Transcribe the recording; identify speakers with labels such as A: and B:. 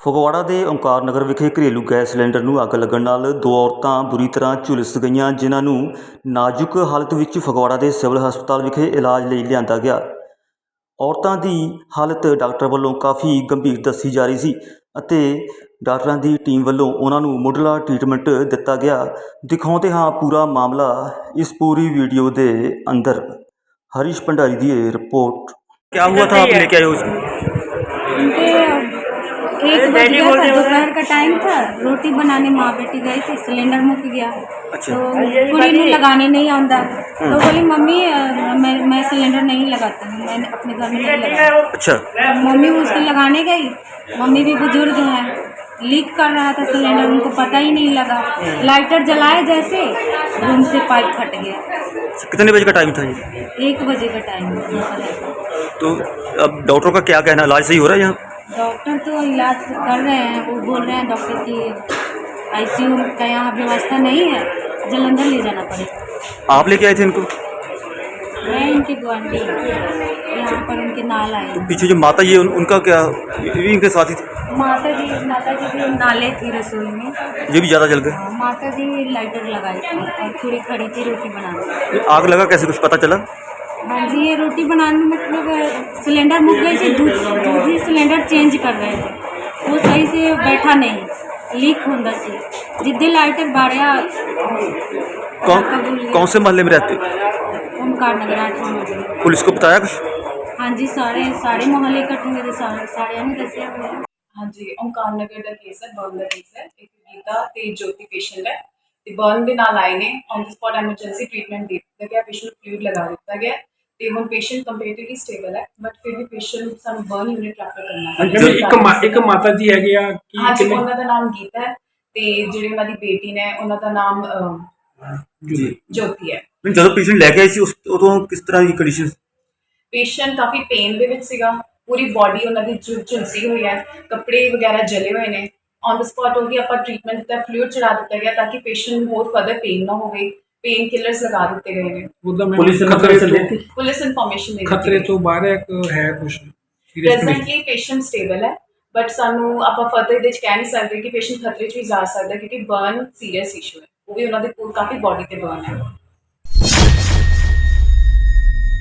A: ਫਗਵਾੜਾ ਦੇ ਓਂਕਾਰ ਨਗਰ ਵਿਖੇ ਘਰੇਲੂ ਗੈਸ ਸਿਲੰਡਰ ਨੂੰ ਅੱਗ ਲੱਗਣ ਨਾਲ ਦੋ ਔਰਤਾਂ ਬੁਰੀ ਤਰ੍ਹਾਂ ਝੁਲਸ ਗਈਆਂ, ਜਿਨ੍ਹਾਂ ਨੂੰ ਨਾਜ਼ੁਕ ਹਾਲਤ ਵਿੱਚ ਫਗਵਾੜਾ ਦੇ ਸਿਵਲ ਹਸਪਤਾਲ ਵਿਖੇ ਇਲਾਜ ਲਈ ਲਿਆਂਦਾ ਗਿਆ। ਔਰਤਾਂ ਦੀ ਹਾਲਤ ਡਾਕਟਰ ਵੱਲੋਂ ਕਾਫੀ ਗੰਭੀਰ ਦੱਸੀ ਜਾ ਰਹੀ ਸੀ ਅਤੇ ਡਾਕਟਰਾਂ ਦੀ ਟੀਮ ਵੱਲੋਂ ਉਹਨਾਂ ਨੂੰ ਮੁੱਢਲਾ ਟ੍ਰੀਟਮੈਂਟ ਦਿੱਤਾ ਗਿਆ। ਦਿਖਾਉਂਦੇ ਹਾਂ ਪੂਰਾ ਮਾਮਲਾ ਇਸ ਪੂਰੀ ਵੀਡੀਓ ਦੇ अंदर। हरीश भंडारी की रिपोर्ट। क्या हुआ था, आप लेके आए हो उसको?
B: उनके 1 बज गया था, दोपहर का टाइम था। रोटी बनाने माँ बेटी गई थी, सिलेंडर मुक गया।
A: अच्छा।
B: तो कुड़ी ने लगाने नहीं आंदा, तो बोली मम्मी मैं सिलेंडर नहीं लगाता हूँ, मैंने अपने घर में नहीं लगाया।
A: अच्छा।
B: मम्मी उसको लगाने गई, मम्मी भी बुजुर्ग हैं, लीक कर रहा था सिलेंडर, उनको पता ही नहीं लगा। लाइटर जलाए जैसे रूम से पाइप फट गया।
A: कितने बजे का टाइम था ये?
B: 1 बजे का टाइम था।
A: तो अब डॉक्टर का क्या कहना है, इलाज सही हो रहा है यहाँ?
B: डॉक्टर तो इलाज कर रहे हैं, वो बोल रहे हैं डॉक्टर की आईसीयू का यहाँ व्यवस्था नहीं है, जलंधर ले जाना पड़ेगा।
A: आप लेके आए थे इनको?
B: मैं इनकी गुआंढी यहाँ पर उनके नाल आई।
A: तो पीछे जो माता जी है उनका क्या, ये भी इनके साथ ही थे?
B: माता जी भी नाले थी रसोई में।
A: ये भी ज़्यादा जल गए?
B: माता जी लाइटर लगाई थी और थोड़ी खड़ी थी रोटी बनाने।
A: आग लगा कैसे, कुछ पता चला?
B: हाँ जी, ये रोटी बनाने में मतलब सिलेंडर मुक गई थी, दूसरी सिलेंडर चेंज कर रहे थे, वो सही से बैठा नहीं, लीक होंदा सी। जिद्दे लाइटर बाड़िया।
A: कौन से मोहल्ले में रहते हो?
B: ओंकार नगर 8 मोहल्ले।
A: पुलिस को बताया कुछ?
B: हाँ जी, सारे मोहल्ले इकट्ठे हुए थे, सारे ने दसिया हुआ।
C: हाँ जी, ओंकार नगर का केस है, बर्न का केस है। एक गीता ते ज्योति पेशेंट है, ते बर्न दे नाल आए ने, on the spot emergency treatment दे दिता गया, पेशेंट फ्लूइड लगा दिता गया ते हुण पेशेंट कंपैरेटिवली स्टेबल है, बट फिर भी पेशेंट सानू बर्न यूनिट रेफर करना है।
D: एक माता जी है गया कि
C: हाँ जी, उन्हां दा नाम गीता है ते जिहड़ी उन्हां दी बेटी ने उन्हां दा नाम ज्योति है।
A: ਜਦੋਂ ਪੇਸ਼ੈਂਟ ਲੈ ਕੇ ਆਏ ਸੀ ਉਸ ਉਦੋਂ ਕਿਸ ਤਰ੍ਹਾਂ ਦੀ ਕੰਡੀਸ਼ਨ?
C: पेशेंट काफ़ी पेन ਦੇ ਵਿੱਚ ਸੀਗਾ, पूरी बॉडी उन्हां दी झुलसी हुई है, कपड़े वगैरह जले हुए ने। ऑन द स्पॉट होगी ਆਪਾਂ ट्रीटमेंट ਦਿੱਤਾ, फ्लूइड चढ़ा दिता गया ताकि पेशेंट ਨੂੰ ਹੋਰ फर्दर पेन ना होवे। पेन किलर्स लगा दिते गए ने। पुलिस इन्फॉर्मेशन दे
D: खतरे तो बाहर है कुछ
C: प्रेजेंटली पेशेंट स्टेबल है, बट सानू ਆਪਾਂ फर्दर ਇਹਦੇ ਚ ਕਹਿ ਨਹੀਂ ਸਕਦੇ ਕਿ पेशेंट खतरे ਚ ਵੀ ਜਾ ਸਕਦਾ, क्योंकि बर्न सीरियस इशू है, वो भी ਉਹਨਾਂ ਦੇ ਕਾਫੀ बॉडी ਤੇ बर्न है।